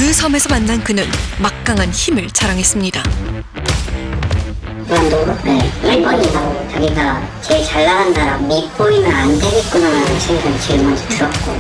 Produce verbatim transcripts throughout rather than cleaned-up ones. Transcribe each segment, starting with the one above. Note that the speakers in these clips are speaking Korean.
그 섬에서 만난 그는 막강한 힘을 자랑했습니다. 완도 일본이라고 자기가 제일 잘 나간다라 밉보이면 안 되겠구나라는 생각이 제일 먼저 들었고,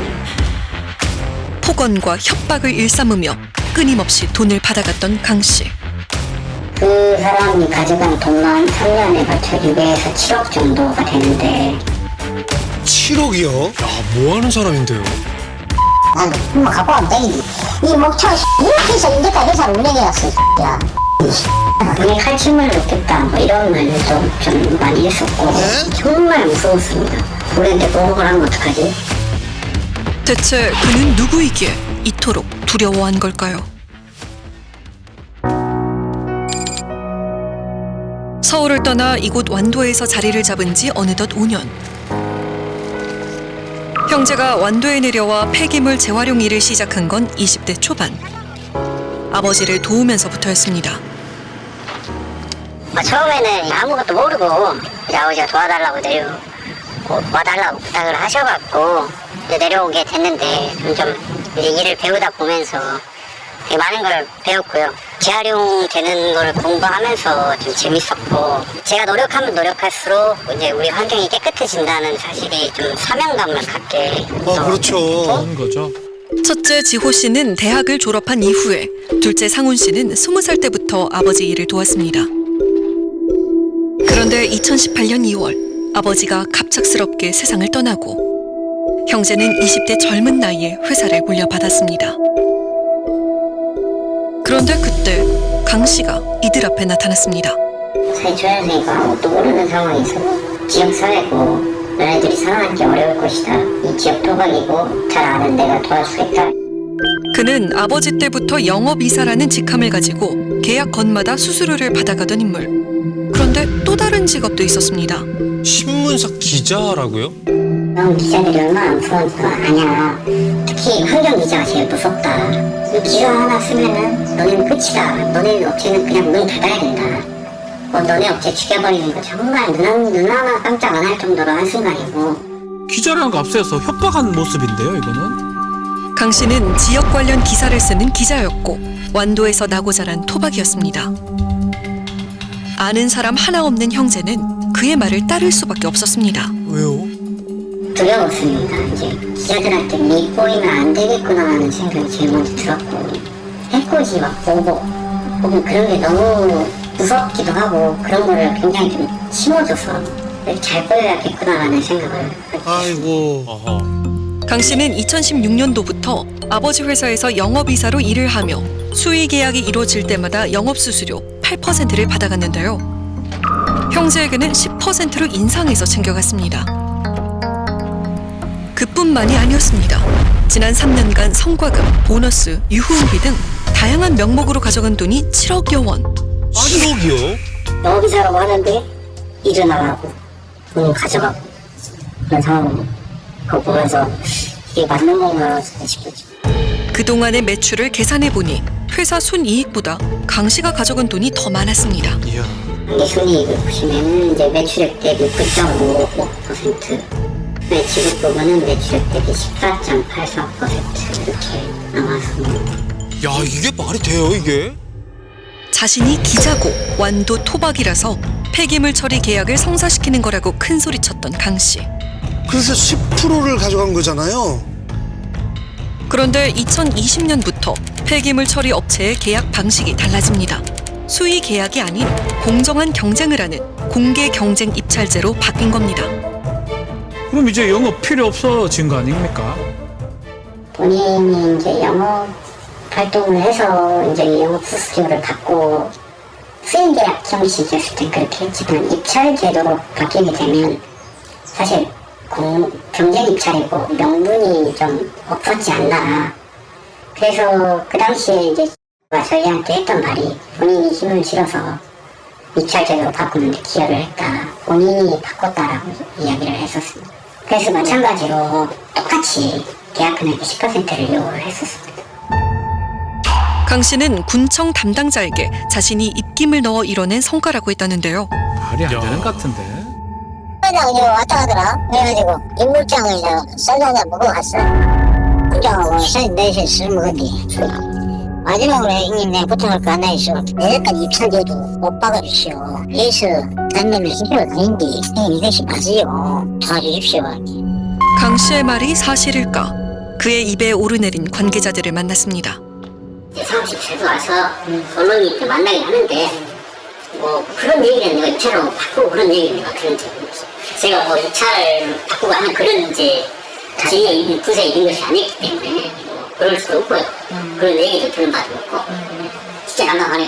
폭언과 협박을 일삼으며 끊임없이 돈을 받아갔던 강 씨. 그 사람이 가져간 돈만 삼 년에 걸쳐 육에서 칠억 정도가 되는데, 칠억이요? 야, 뭐 하는 사람인데요? 난 뭐 갖고 가면 되겠니? 이 목표 이렇게 해서 이제까지 회사를 운영해왔어, 야. 돈에 칼춤을 놓겠다, 뭐 이런 말도 좀 많이 했었고, 네? 정말 무서웠습니다. 우리한테 보복을 하면 어떡하지? 대체 그는 누구이기에 이토록 두려워한 걸까요? 서울을 떠나 이곳 완도에서 자리를 잡은 지 어느덧 오 년. 형제가 완도에 내려와 폐기물 재활용 일을 시작한 건 이십 대 초반. 아버지를 도우면서부터였습니다. 뭐 처음에는 아무것도 모르고 이제 아버지가 도와달라고 내려 와달라고 부탁을 하셔갖고 이제 내려오게 됐는데, 좀 이제 일을 배우다 보면서 되게 많은 걸 배웠고요. 재활용되는 걸 공부하면서 좀 재밌었고, 제가 노력하면 노력할수록 이제 우리 환경이 깨끗해진다는 사실이 좀 사명감을 갖게. 어, 그렇죠. 그런 거죠. 첫째 지호 씨는 대학을 졸업한 이후에, 둘째 상훈 씨는 스무 살 때부터 아버지 일을 도왔습니다. 그런데 이천십팔 년 이월 아버지가 갑작스럽게 세상을 떠나고 형제는 이십 대 젊은 나이에 회사를 물려받았습니다. 그런데 그때 강 씨가 이들 앞에 나타났습니다. 사회 초년생이고 아무것도 모르는 상황에서 지역사회고 너네들이 살아남기 어려울 것이다. 이 지역 토박이고 잘 아는 내가 도와주겠다. 그는 아버지 때부터 영업이사라는 직함을 가지고 계약 건마다 수수료를 받아가던 인물. 그런데 또 다른 직업도 있었습니다. 신문사 기자라고요? 넌 기자들이 얼마나 무서운지 너 아냐. 특히 환경기자가 제일 무섭다. 이 기사 하나 쓰면은 너네는 끝이다. 너네 업체는 그냥 문 닫아야 된다. 뭐 너네 업체 죽여버리는 거 정말 눈, 눈 하나 깜짝 안 할 정도로 한순간이고. 기자라는 거 앞서서 협박한 모습인데요, 이거는? 강 씨는 지역 관련 기사를 쓰는 기자였고 완도에서 나고 자란 토박이었습니다. 아는 사람 하나 없는 형제는 그의 말을 따를 수밖에 없었습니다. 왜요? 두려웠습니다. 이제 기자들한테 밉보이면 안 되겠구나 하는 생각이 제일 먼저 들었고, 해코지 막 보복 혹은 그런 게 너무 무섭기도 하고, 그런 거를 굉장히 좀 심어줘서 잘 보여야겠구나 하는 생각을. 아이고. 어허. 강 씨는 이천십육 년도부터 아버지 회사에서 영업이사로 일을 하며 수의 계약이 이루어질 때마다 영업수수료 팔 퍼센트를 받아갔는데요. 형제에게는 십 퍼센트로 인상해서 챙겨갔습니다. 그뿐만이 아니었습니다. 지난 삼 년간 성과금, 보너스, 유후비 등 다양한 명목으로 가져간 돈이 칠억여 원. 칠억이요? 영업이사라고 하는데 일은 안 하고 돈을 가져가고 그런 상황을 그거 보면서 이게 맞는 건가 싶었죠. 그동안의 매출을 계산해보니 회사 순이익보다 강 씨가 가져간 돈이 더 많았습니다. 이야. 단기 순이익을 보시면은 이제 매출액 대비 구 점 오오 퍼센트, 네, 지급 부분은 매출액 대비 십사 점 팔사 퍼센트 이렇게 나왔습니다. 야, 이게 말이 돼요, 이게? 자신이 기자고 완도 토박이라서 폐기물 처리 계약을 성사시키는 거라고 큰 소리쳤던 강 씨. 그래서 십 퍼센트를 가져간 거잖아요. 그런데 이천이십 년부터 폐기물 처리 업체의 계약 방식이 달라집니다. 수의 계약이 아닌 공정한 경쟁을 하는 공개 경쟁 입찰제로 바뀐 겁니다. 그럼 이제 영업 필요 없어진 거 아닙니까? 본인이 이제 영업 활동을 해서 이제 영업 수수료를 받고 수행 계약 형식이었을 때 그렇게 했지만 입찰 제도로 바뀌게 되면 사실 공, 경쟁 입찰이고 명분이 좀 없었지 않나. 그래서 그 당시에 이제 저희한테 했던 말이 본인이 힘을 실어서 입찰 제도로 바꾸는데 기여를 했다. 본인이 바꿨다라고 이야기를 했었습니다. 그래서 마찬가지로 똑같이 계약 금액의 십 퍼센트를 요구를 했었습니다. 강 씨는 군청 담당자에게 자신이 입김을 넣어 이뤄낸 성과라고 했다는데요. 말이 안 되는 것 같은데. 회장 이제 왔다 가더라. 그래가지고 인물장을 이제 썰려다 먹고 갔어. 공장하고 술 넷이 술 먹었니. 마지막으로 형님 내가 부탁할 거 하나 있어. 내일까지 입찰돼도 못 박아주시오. 에이스 단면을 힘들어 다닌데 형님 이것이 맞으요. 도와주십시오. 강 씨의 말이 사실일까? 그의 입에 오르내린 관계자들을 만났습니다. 이제 사무실 제도 와서 언론이 이렇게 만나긴 하는데 뭐 그런 얘기는 내가 입찰을 바꾸고 그런 얘기는 내가 들은 적이 없어. 제가 뭐 입찰을 바꾸고 하는 그런 이제 제 입, 부서에 있는 것이 아니기 때문에 뭐 그럴 수도 없고요. 그런 얘기도 들은 바도 없고 진짜 난감하네요.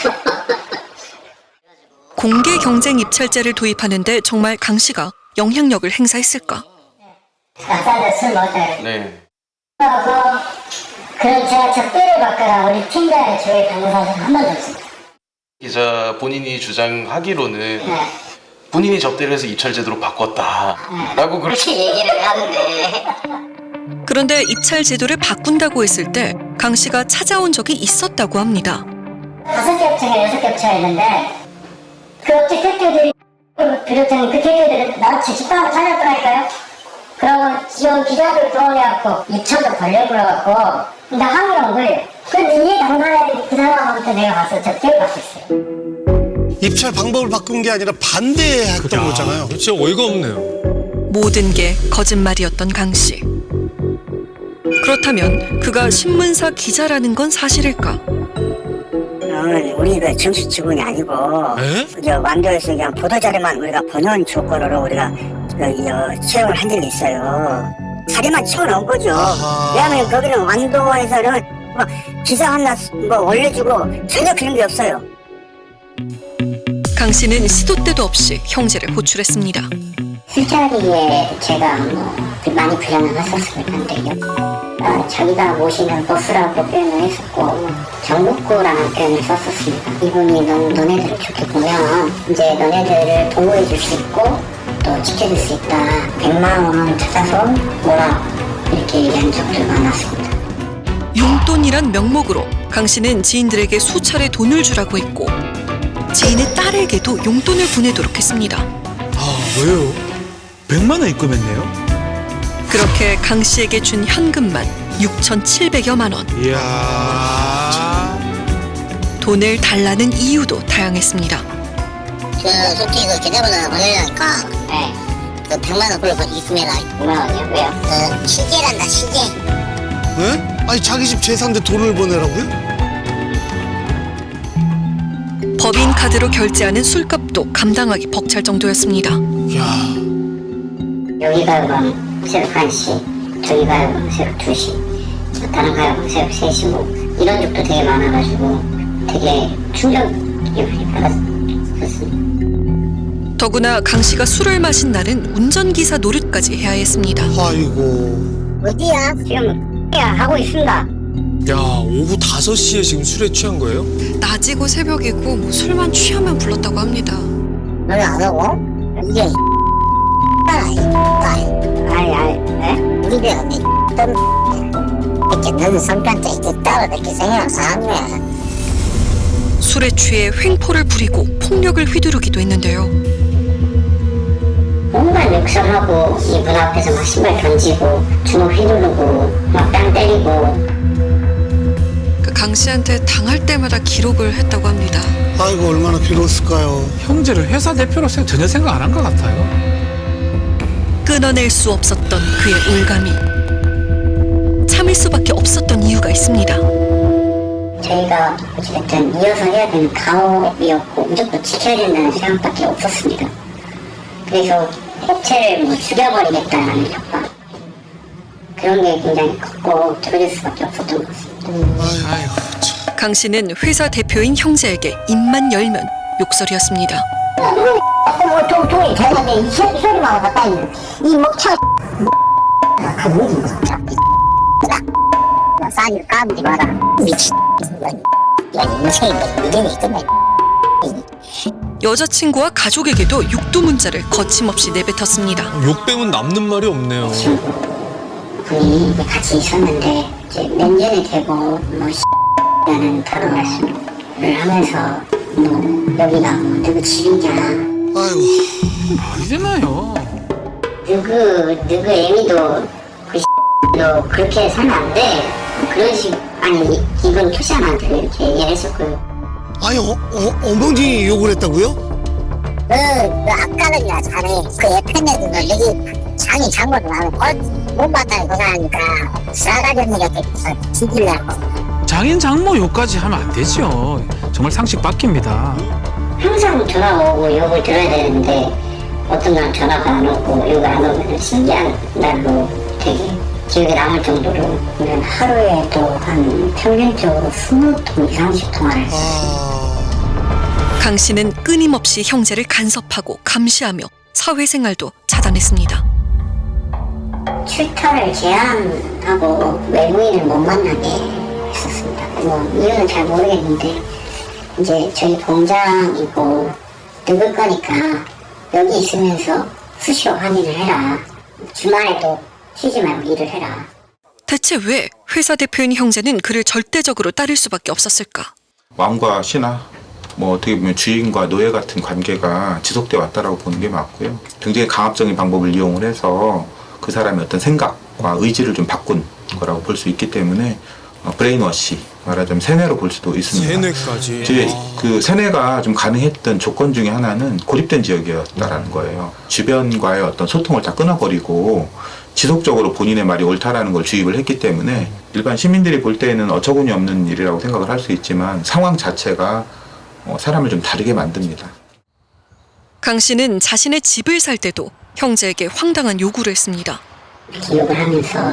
공개 경쟁 입찰제를 도입하는데 정말 강 씨가 영향력을 행사했을까? 낙사한테 술 먹을 때 네. 그래서 그런 제가 적대를 바꿔라 우리 팀장의 조회 변호사는 한 번도 없습니다. 기자 본인이 주장하기로는 네. 본인이 접대를 해서 입찰제도로 바꿨다라고 그렇게 그렇게 얘기를 하는데 그런데 입찰 제도를 바꾼다고 했을 때 강 씨가 찾아온 적이 있었다고 합니다. 다섯 개 업체가 여섯 개 업체가 있는데 그 업체 대표들이 비롯한 그 대표들은 나한테 집단을 찾았더라니까요. 그러고 지원 기자들 들어오려고 입찰도 벌려고 그래갖고 나 항의를 온 거예요. 근데 이해 당사자들이 그 사람한테 내가 가서 접대를 받겠어요. 입찰 방법을 바꾼 게 아니라 반대했던 거잖아요. 진짜 어이가 없네요. 모든 게 거짓말이었던 강 씨. 그렇다면 그가 신문사 기자라는 건 사실일까? 오늘 우리 그 정식 직원이 아니고 에? 그저 완도에서 그냥 보도자료만 우리가 번원 조건으로 우리가 그 어, 채용을 한 적이 있어요. 자료만 채워놓은 거죠. 아하. 왜냐하면 거기는 완도에서는 뭐 기사 하나 뭐 올려주고 전혀 그런 게 없어요. 강 씨는 시도 때도 없이 형제를 호출했습니다. 술자리에 제가 뭐 많이 부연을 했었을 건데요. 어, 자기가 모시는 보스라고 표현을 했었고 정복구라는 표현을 썼었습니다. 이분이 너, 너네들을 좋게 보면 이제 너네들을 보호해 줄 수 있고 또 지켜줄 수 있다. 백만 원 찾아서 오라 이렇게 얘기한 적도 많았습니다. 용돈이란 명목으로 강 씨는 지인들에게 수차례 돈을 주라고 했고 지인의 딸에게도 용돈을 보내도록 했습니다. 아, 왜요? 백만 원 입금했네요? 그렇게 강 씨에게 준 현금만 육천칠백여만 원. 이야. 돈을 달라는 이유도 다양했습니다. 그 솔직히 그 계좌번호 보내려니까 네. 그 백만 원 불러 입금해라. 백만 원이요? 왜요? 그 시계란다 시계. 왜? 아니 자기 집 제사인데 돈을 보내라고요? 법인 카드로 결제하는 술값도 감당하기 벅찰 정도였습니다. 야, 여기 가요방 새벽 한 시, 저기 가요방 새벽 두 시, 다른 가요방 새벽 세 시 뭐 이런 적도 되게 많아가지고 되게 충격이 많이 받았었습니다. 더구나 강 씨가 술을 마신 날은 운전기사 노릇까지 해야 했습니다. 아이고. 어디야? 지금 하고 있습니다. 야, 오후 다섯 시에 지금 술에 취한 거예요? 낮이고 새벽이고 뭐 술만 취하면 불렀다고 합니다. 너는 안 오고? 이게 아이 아이 네? 이게 언니 떤 이렇게 너는 성격도 이렇게 따로 이렇게 생각하는 사람이야. 술에 취해 횡포를 부리고 폭력을 휘두르기도 했는데요. 온갖 욕설하고 이문 앞에서 막 신발 던지고 주먹 휘두르고 막 땅 때리고 그 강 씨한테 당할 때마다 기록을 했다고 합니다. 아이고 얼마나 괴로웠을까요. 형제를 회사 대표로서 전혀 생각 안 한 것 같아요. 끊어낼 수 없었던 그의 올감이 참을 수밖에 없었던 이유가 있습니다. 저희가 어찌됐든 이어서 해야 되는 가업이었고 무조건 지켜야 된다는 생각밖에 없었습니다. 그래서 업체를 뭐 죽여버리겠다는 협박 그런 게 굉장히 컸고 들어줄 수밖에 없었던 것 같습니다. 아이고, 참. 강 씨는 회사 대표인 형제에게 입만 열면 욕설이었습니다. 뭐 돈, 돈이 되는데 이, 소, 이 소리만 갖다 있는 이 목차 그 뭐지 진짜 싸니 까불지 마라. 미친. 야 인생이 인생이 끝나. 여자친구와 가족에게도 육두 문자를 거침없이 내뱉었습니다. 욕 빼면 남는 말이 없네요. 분이 이제 같이 있었는데 이제 몇 년이 되고 뭐 라는 다른 말씀을 하면서 뭐 여기가 뭐 누구 집이냐 아이고. 말이 되나요? 누구 누구 애미도 그 너 그렇게 살면 안 돼 그런 식 아니 이분 표시한테 이렇게 얘기를 했었고요. 아니 어, 어, 어머니 욕을 했다고요? 그, 그 아까는야 자네 그 에프엠에도 여기 장이 장모를 하면 못 봤다고 그러니까 싸가지 없는 것들 죽이려고. 장인 장모 욕까지 하면 안 되죠. 정말 상식 바뀝니다. 항상 전화가 오고 욕을 들어야 되는데 어떤 날 전화가 안 오고 욕을 안 오면 신기한 날로 되게 기억에 남을 정도로 그냥 하루에 또 한 평균적으로 스무 통 이상씩 통화를 했어요. 아... 강 씨는 끊임없이 형제를 간섭하고 감시하며 사회생활도 차단했습니다. 출타를 제한하고 외부인을 못 만나게 했었습니다. 뭐 이유는 잘 모르겠는데 이제 저희 공장이고 늙을 거니까 여기 있으면서 수시로 확인을 해라. 주말에도 쉬지 말고 일을 해라. 대체 왜 회사 대표인 형제는 그를 절대적으로 따를 수밖에 없었을까? 왕과 신하, 뭐 어떻게 보면 주인과 노예 같은 관계가 지속돼 왔다라고 보는 게 맞고요. 굉장히 강압적인 방법을 이용을 해서 그 사람의 어떤 생각과 의지를 좀 바꾼 거라고 볼 수 있기 때문에 어, 브레인워시, 말하자면 세뇌로 볼 수도 있습니다. 세뇌까지. 이제 그 세뇌가 좀 가능했던 조건 중에 하나는 고립된 지역이었다라는 거예요. 주변과의 어떤 소통을 다 끊어버리고 지속적으로 본인의 말이 옳다라는 걸 주입을 했기 때문에 일반 시민들이 볼 때에는 어처구니 없는 일이라고 생각을 할 수 있지만 상황 자체가 어, 사람을 좀 다르게 만듭니다. 강 씨는 자신의 집을 살 때도 형제에게 황당한 요구를 했습니다. 기억을 하면서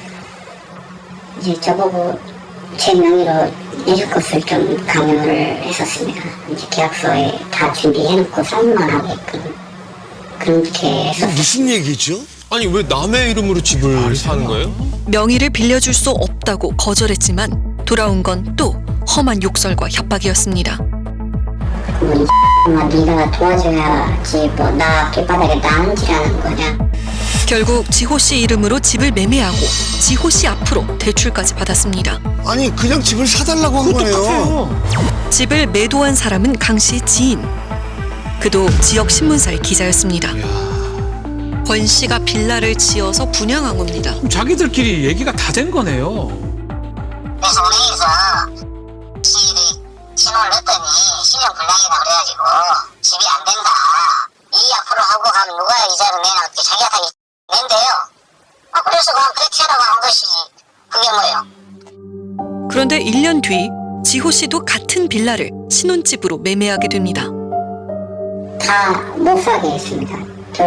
이제 저보고 제 명의로 해줄 것을 좀 강요를 했었습니다. 이제 계약서에 다 준비해놓고 사인만 하게끔 그렇게 했었어요. 무슨 얘기죠? 아니 왜 남의 이름으로 집을 사는 거예요? 명의를 빌려줄 수 없다고 거절했지만 돌아온 건 또 험한 욕설과 협박이었습니다. 뭐 이 네가 도와줘야지 뭐 나 길바닥에 나앉으라는 거냐. 결국 지호 씨 이름으로 집을 매매하고 지호 씨 앞으로 대출까지 받았습니다. 아니 그냥 집을 사달라고 한 거네요. 똑같아요. 집을 매도한 사람은 강 씨의 지인. 그도 지역 신문사의 기자였습니다. 권 씨가 빌라를 지어서 분양한 겁니다. 그럼 자기들끼리 얘기가 다 된 거네요. 그래서 은행에서 시일이 신호를 냈더니 신용 불량이다 그래가지고 집이 안 된다. 이 앞으로 하고 가면 누가 이자를 내나 어떻게 자기가 다 낸대요. 아 그래서 그냥 그렇게 하라고 한 것이지. 그게 뭐예요? 그런데 일 년 뒤 지호 씨도 같은 빌라를 신혼집으로 매매하게 됩니다. 다 못 사게 했습니다.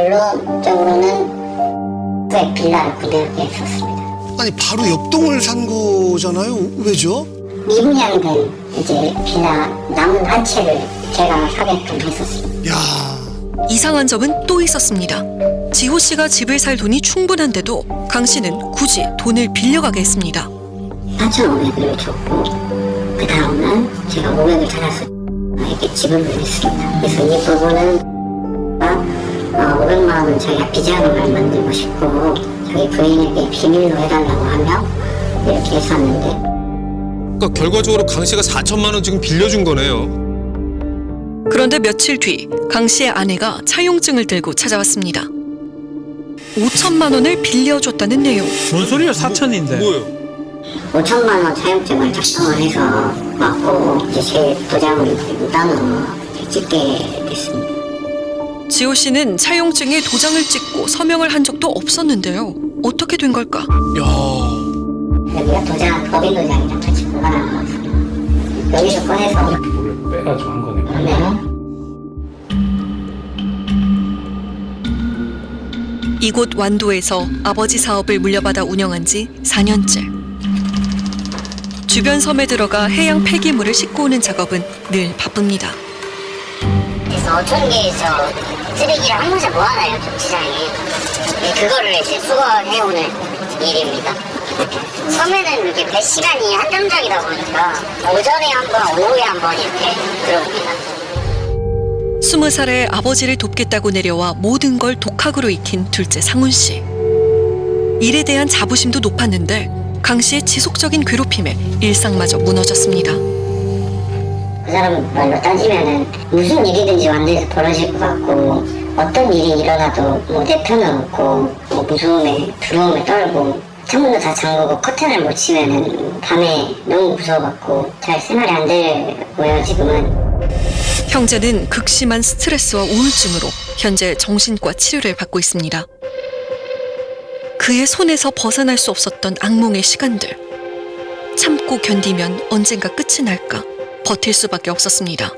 결론적으로는 그 빌라를 구매하게 했었습니다. 아니 바로 옆동을 산 거잖아요. 왜죠? 미분양된 이제 빌라 남은 한 채를 제가 사게끔 했었습니다. 야, 이상한 점은 또 있었습니다. 지호 씨가 집을 살 돈이 충분한데도 강 씨는 굳이 돈을 빌려가게 했습니다. 사천오백을 줬고 그 다음은 제가 오백을 찾아서 이렇게 지불을 했습니다. 그래서 이 부분은 어, 오백만 원은 자기가 비자금을 만들고 싶고 자기 부인에게 비밀로 해달라고 하며 이렇게 했었는데 그러니까 결과적으로 강 씨가 사천만 원 지금 빌려준 거네요. 그런데 며칠 뒤 강 씨의 아내가 차용증을 들고 찾아왔습니다. 오천만 원을 빌려줬다는 내용. 뭔 소리야, 사천인데. 뭐예요? 오천만 원 사용증을 작성을 해서 맞고 이제 제 도장을 묻어넣어 찍게 됐습니다. 지호 씨는 차용증에 도장을 찍고 서명을 한 적도 없었는데요. 어떻게 된 걸까? 야, 여기가 도장, 법인 도장이랑 같이 보관한 거거든요. 여기서 꺼내서 몰래 빼가지고 한 거네. 네. 이곳 완도에서 아버지 사업을 물려받아 운영한 지 사 년째. 주변 섬에 들어가 해양 폐기물을 싣고 오는 작업은 늘 바쁩니다. 그래서 어촌계에서 쓰레기를 한 곳에 모아놔요, 정치장에. 네, 그거를 이제 수거해오는 일입니다. 섬에는 이렇게 배 시간이 한정적이다 보니까 오전에 한 번, 오후에 한 번 이렇게 들어옵니다. 스무 살에 아버지를 돕겠다고 내려와 모든 걸 독학으로 익힌 둘째 상훈 씨. 일에 대한 자부심도 높았는데 강 씨의 지속적인 괴롭힘에 일상마저 무너졌습니다. 그 사람 말로 따지면은 무슨 일이든지 완전히 벌어질 것 같고 어떤 일이 일어나도 뭐 대표는 없고 뭐 무서움에 두려움에 떨고 창문도 다 잠그고 커튼을 못 치면은 밤에 너무 무서워갖고 잘 생활이 안 되고요 지금은. 형제는 극심한 스트레스와 우울증으로 현재 정신과 치료를 받고 있습니다. 그의 손에서 벗어날 수 없었던 악몽의 시간들. 참고 견디면 언젠가 끝이 날까 버틸 수밖에 없었습니다.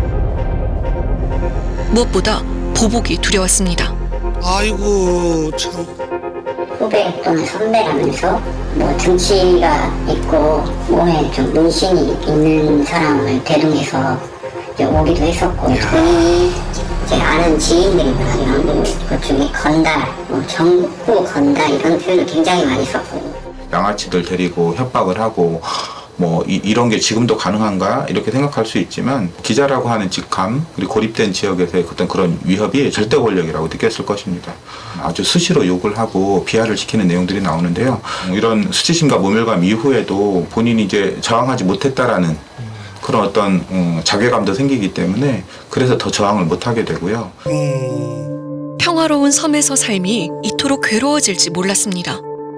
무엇보다 보복이 두려웠습니다. 아이고 참. 후배 또는 선배라면서 뭐 등치가 있고 몸에 좀 문신이 있는 사람을 대동해서 이제 오기도 했었고, 본인이 제 아는 지인들이나 이런 것 중에 건달, 뭐 정부 건달 이런 표현을 굉장히 많이 썼고. 양아치들 데리고 협박을 하고 뭐 이, 이런 게 지금도 가능한가 이렇게 생각할 수 있지만 기자라고 하는 직함 그리고 고립된 지역에서의 어떤 그런 위협이 절대 권력이라고 느꼈을 것입니다. 아주 수시로 욕을 하고 비하를 시키는 내용들이 나오는데요. 이런 수치심과 모멸감 이후에도 본인이 이제 저항하지 못했다라는 그런 어떤 음, 자괴감도 생기기 때문에 그래서 더 저항을 못하게 되고요. 음. 평화로운 섬에서 삶이 이토록 괴로워질지 몰랐습니다.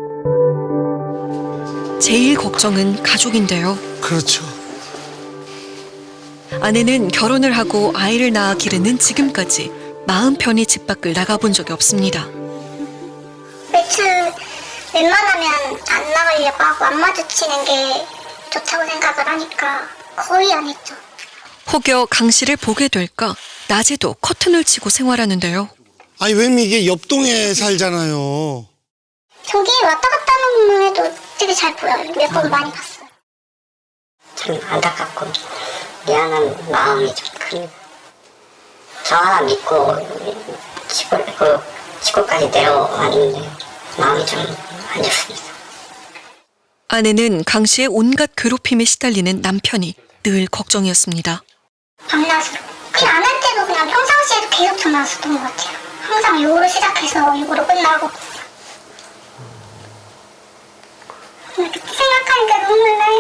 제일 걱정은 가족인데요. 그렇죠. 아내는 결혼을 하고 아이를 낳아 기르는 지금까지 마음 편히 집 밖을 나가본 적이 없습니다. 외출 웬만하면 안 나가려고 하고 안 마주치는 게 좋다고 생각을 하니까 거의 안 했죠. 혹여 강 씨를 보게 될까 낮에도 커튼을 치고 생활하는데요. 아니 왜냐면 이게 옆동에 살잖아요. 저기 왔다 갔다 하는 것만 해도 되게 잘 보여요. 몇 번 많이 봤어요. 참 안타깝고 미안한 마음이 좀 큽니다. 저 하나 믿고 시골, 그 시골까지 내려왔는데 마음이 좀 안 좋습니다. 아내는 강 씨의 온갖 괴롭힘에 시달리는 남편이 늘 걱정이었습니다. 밤낮으로. 그냥 안 할 때도 그냥 평상시에도 계속 전화 왔었던 것 같아요. 항상 욕으로 시작해서 욕으로 끝나고. 이렇게 생각하니까 눈물 나요.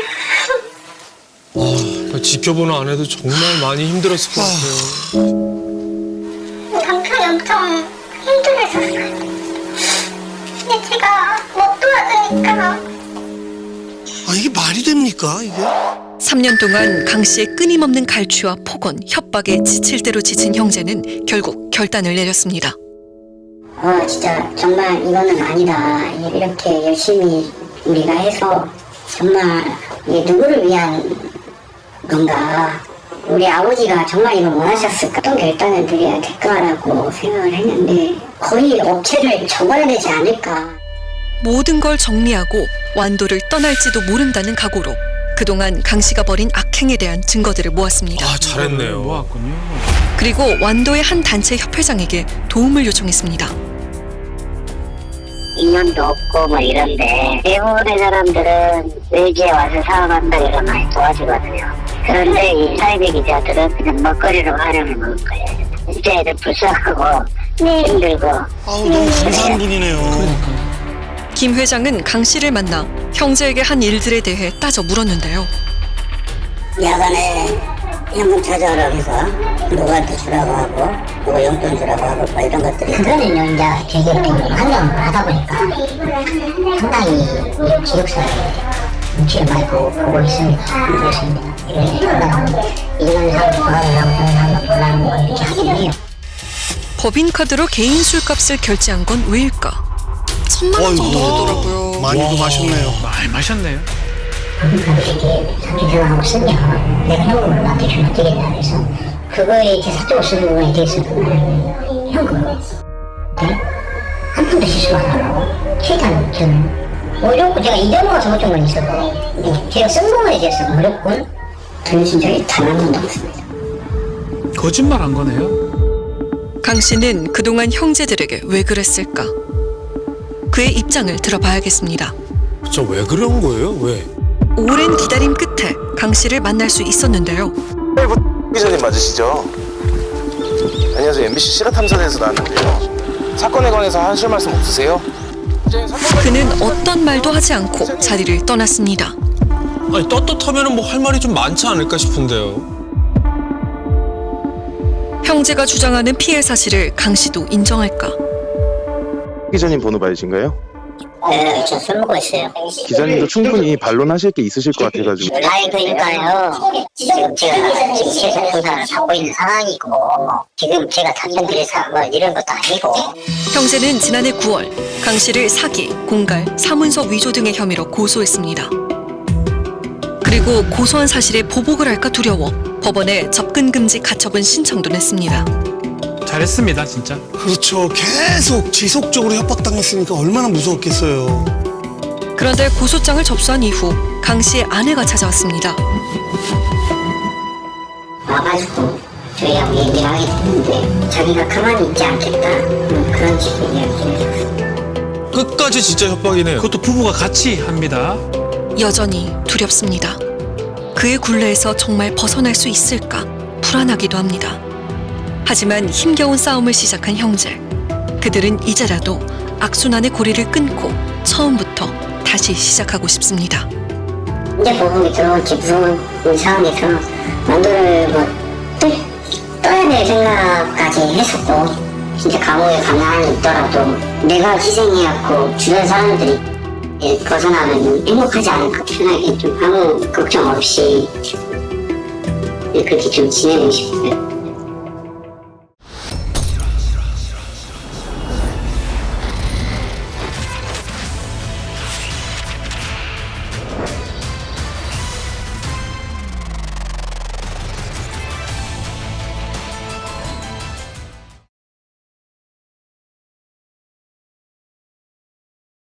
그러니까 지켜보는 아내도 정말 많이 힘들었을 것 같아요. 남편이 엄청 힘들어했었어요. 근데 제가 못 도와주니까. 아 이게 말이 됩니까 이게? 삼 년 동안 강 씨의 끊임없는 갈취와 폭언, 협박에 지칠 대로 지친 형제는 결국 결단을 내렸습니다. 어 진짜 정말 이거는 아니다. 이렇게 열심히 우리가 해서 정말 이게 누구를 위한 건가. 우리 아버지가 정말 이걸 원하셨을까. 어떤 결단을 드려야 될까라고 생각을 했는데 거의 업체를 접어야 되지 않을까. 모든 걸 정리하고 완도를 떠날지도 모른다는 각오로 그동안 강 씨가 벌인 악행에 대한 증거들을 모았습니다. 아, 잘했네요. 모았군요. 그리고 완도의 한 단체 협회장에게 도움을 요청했습니다. 인연도 없고 뭐 이런데 대부분의 사람들은 외지에 와서 사업한다 이런 많이 도와주거든요. 그런데 이 사이비 기자들은 그냥 먹거리로 활용해 먹을 거예요. 진짜 애들 불쌍하고 힘들고. 아우 너무 감사한 분이네요. 김 회장은 강 씨를 만나 형제에게 한 일들에 대해 따져 물었는데요. 야간에 현금 찾아오라고 해서 누구한테 주라고 하고 누구 용돈 주라고 하고 뭐 이런 것들이 그거는요 이제 되게 환경을 하다 보니까 상당히 이 기록사에 눈치를 많이 보고, 보고 있습니다. 그렇습니다. 이렇게 하다가 이런 사람 좋아하는 사람 보라는 거 이렇게 하긴 해요. 법인카드로 개인 술값을 결제한 건 왜일까? 천만 원 정도 되더라고요. 많이도 마셨네요. 많이 마셨네요. 법인카드 이렇게 사기 생각하고 쓰면 내가 현금을 나한테 주면 되겠다 그래서 그거에 이렇게 사적으로 쓰는 부분에 대해서는 현금 네? 한 푼도 실수가 안 하고 최대한 저는 무조건 제가 잊어먹어서 못 준 건 있어도 제가 쓴 부분에 대해서 무조건 돌려준 적이 단 한 번도 없습니다. 거짓말 한 거네요. 강 씨는 그동안 형제들에게 왜 그랬을까? 그의 입장을 들어봐야겠습니다. 저 왜 그런 거예요? 왜? 오랜 기다림 끝에 강 씨를 만날 수 있었는데요. 기자님 맞으시죠? 안녕하세요. 엠비씨 실화탐사대에서 나왔는데요. 사건에 관해서 하실 말씀 없으세요? 그는 어떤 말도 하지 않고 자리를 떠났습니다. 아니 떳떳하면 뭐 할 말이 좀 많지 않을까 싶은데요. 형제가 주장하는 피해 사실을 강 씨도 인정할까? 기자님 번호 받으신가요? 네, 저 술 먹고 있어요. 기자님도 충분히 반론하실 게 있으실 것 같아가지고. 아니, 그러니까요. 지금 제가 지금 실사 형사를 받고 있는 상황이고, 지금 제가 답변 드려서 뭐 이런 것도 아니고. 형제는 지난해 구월 강 씨를 사기, 공갈, 사문서 위조 등의 혐의로 고소했습니다. 그리고 고소한 사실에 보복을 할까 두려워 법원에 접근 금지 가처분 신청도 냈습니다. 잘했습니다, 진짜. 그렇죠. 계속 지속적으로 협박당했으니까 얼마나 무서웠겠어요. 그런데 고소장을 접수한 이후 강 씨의 아내가 찾아왔습니다. 와가지고 저희하고 얘기를 하게 됐는데 자기가 가만히 있지 않겠다 음, 그런 식의 이야기를 해줬어요. 끝까지 진짜 협박이네요. 그것도 부부가 같이 합니다. 여전히 두렵습니다. 그의 굴레에서 정말 벗어날 수 있을까 불안하기도 합니다. 하지만 힘겨운 싸움을 시작한 형제. 그들은 이제라도 악순환의 고리를 끊고 처음부터 다시 시작하고 싶습니다. 이제 보복이 들어올지 무서운 상황에서 만두를 뭐 떠, 떠야 될 생각까지 했었고 진짜 감옥에 가만히 있더라도 내가 희생해갖고 주변 사람들이 벗어나면 행복하지 않을까 편하게 좀 아무 걱정 없이 그렇게 좀 지내고 싶어요.